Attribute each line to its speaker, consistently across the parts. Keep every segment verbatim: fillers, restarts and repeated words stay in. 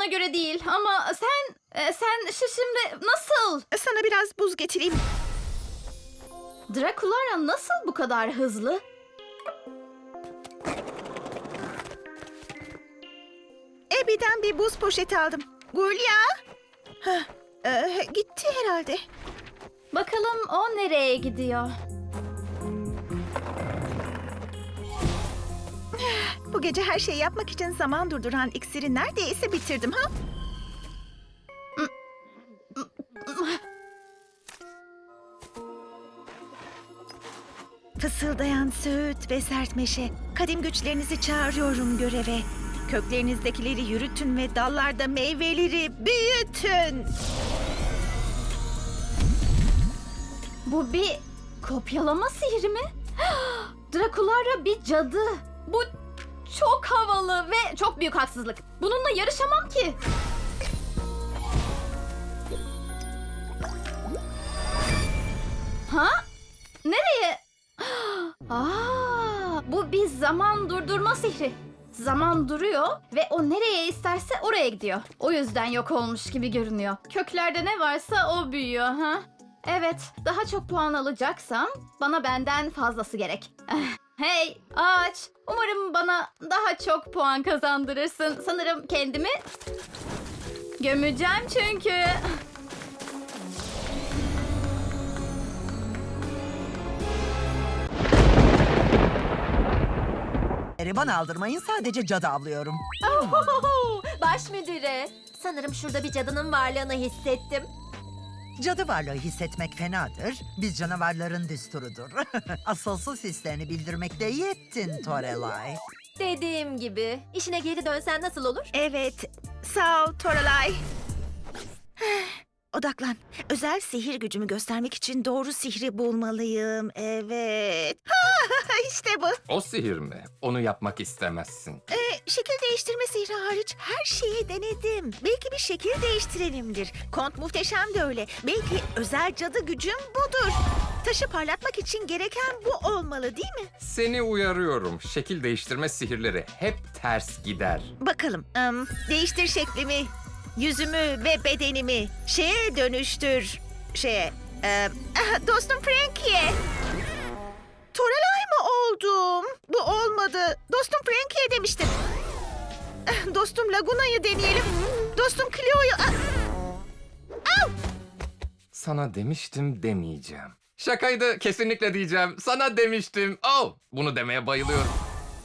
Speaker 1: bana göre değil ama sen e, sen şu şimdi nasıl?
Speaker 2: Sana biraz buz getireyim.
Speaker 1: Drakulara nasıl bu kadar hızlı?
Speaker 2: Ebi'den bir buz poşeti aldım. Gulya. Hah, e, gitti herhalde.
Speaker 1: Bakalım o nereye gidiyor?
Speaker 2: Bu gece her şeyi yapmak için zaman durduran iksiri neredeyse bitirdim ha? Fısıldayan söğüt ve sert meşe, kadim güçlerinizi çağırıyorum göreve. Köklerinizdekileri yürütün ve dallarda meyveleri büyütün.
Speaker 1: Bu bir kopyalama sihri mi? Drakulara bir cadı. Bu çok havalı ve çok büyük haksızlık. Bununla yarışamam ki. Ha? Nereye? Aa, bu bir zaman durdurma sihri. Zaman duruyor ve o nereye isterse oraya gidiyor. O yüzden yok olmuş gibi görünüyor. Köklerde ne varsa o büyüyor ha. Evet, daha çok puan alacaksam bana benden fazlası gerek. Hey ağaç, umarım bana daha çok puan kazandırırsın. Sanırım kendimi gömeceğim çünkü.
Speaker 3: Bana aldırmayın, sadece cadı avlıyorum.
Speaker 4: Ohohoho, baş müdüre. Sanırım şurada bir cadının varlığını hissettim.
Speaker 3: Cadı varlığı hissetmek fenadır. Biz canavarların düsturudur. Asılsız hislerini bildirmekte iyi ettin Torelay.
Speaker 4: Dediğim gibi. İşine geri dönsen nasıl olur?
Speaker 2: Evet, sağ ol Toralay. Odaklan. Özel sihir gücümü göstermek için doğru sihri bulmalıyım. Evet. İşte bu.
Speaker 5: O sihir mi? Onu yapmak istemezsin.
Speaker 2: Ee, şekil değiştirme sihri hariç her şeyi denedim. Belki bir şekil değiştirenimdir. Kont muhteşem de öyle. Belki özel cadı gücüm budur. Taşı parlatmak için gereken bu olmalı değil mi?
Speaker 5: Seni uyarıyorum. Şekil değiştirme sihirleri hep ters gider.
Speaker 2: Bakalım. ım, değiştir şeklimi, yüzümü ve bedenimi. Şeye dönüştür. Şeye. e, ah, dostum Frankie'ye. Torelay mı oldum? Bu olmadı. Dostum Frankie'ye demiştim. Ah, dostum Laguna'yı deneyelim. Dostum Cleo'yu... Ah! Au!
Speaker 5: Sana demiştim demeyeceğim. Şakaydı, kesinlikle diyeceğim. Sana demiştim. Oh, bunu demeye bayılıyorum.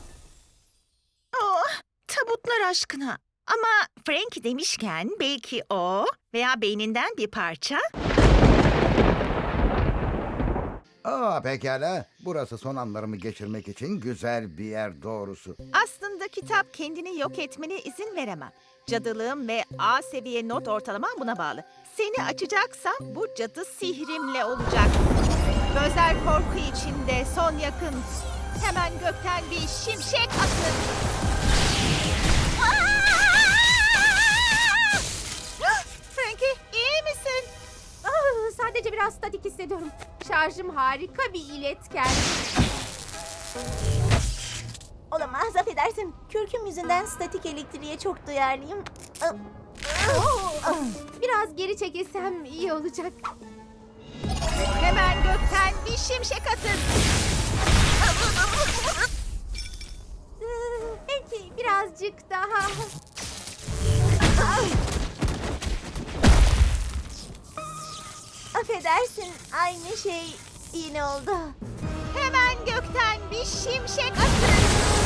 Speaker 2: Oh, tabutlar aşkına. Ama Frankie demişken belki o veya beyninden bir parça...
Speaker 6: Aa pekala. Burası son anlarımı geçirmek için güzel bir yer doğrusu.
Speaker 2: Aslında kitap kendini yok etmene izin veremem. Cadılığım ve A seviye not ortalamam buna bağlı. Seni açacaksam bu cadı sihrimle olacak. Gözler korku içinde, son yakın. Hemen gökten bir şimşek atın. Frankie, iyi misin?
Speaker 4: Ah, sadece biraz statik hissediyorum. Şarjım harika bir iletken.
Speaker 7: Olamaz, affedersin. Kürküm yüzünden statik elektriğe çok duyarlıyım. Ah,
Speaker 4: Ah, Biraz geri çekilsem iyi olacak.
Speaker 2: Hemen gökten bir şimşek atın.
Speaker 4: Ee, Belki birazcık daha.
Speaker 7: affedersin, aynı şey yine oldu.
Speaker 2: Hemen gökten bir şimşek atın.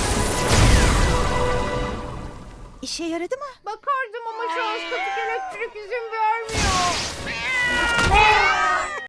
Speaker 2: İşe yaradı mı?
Speaker 4: Bakardım ama şu an statik elektrik izin vermiyor.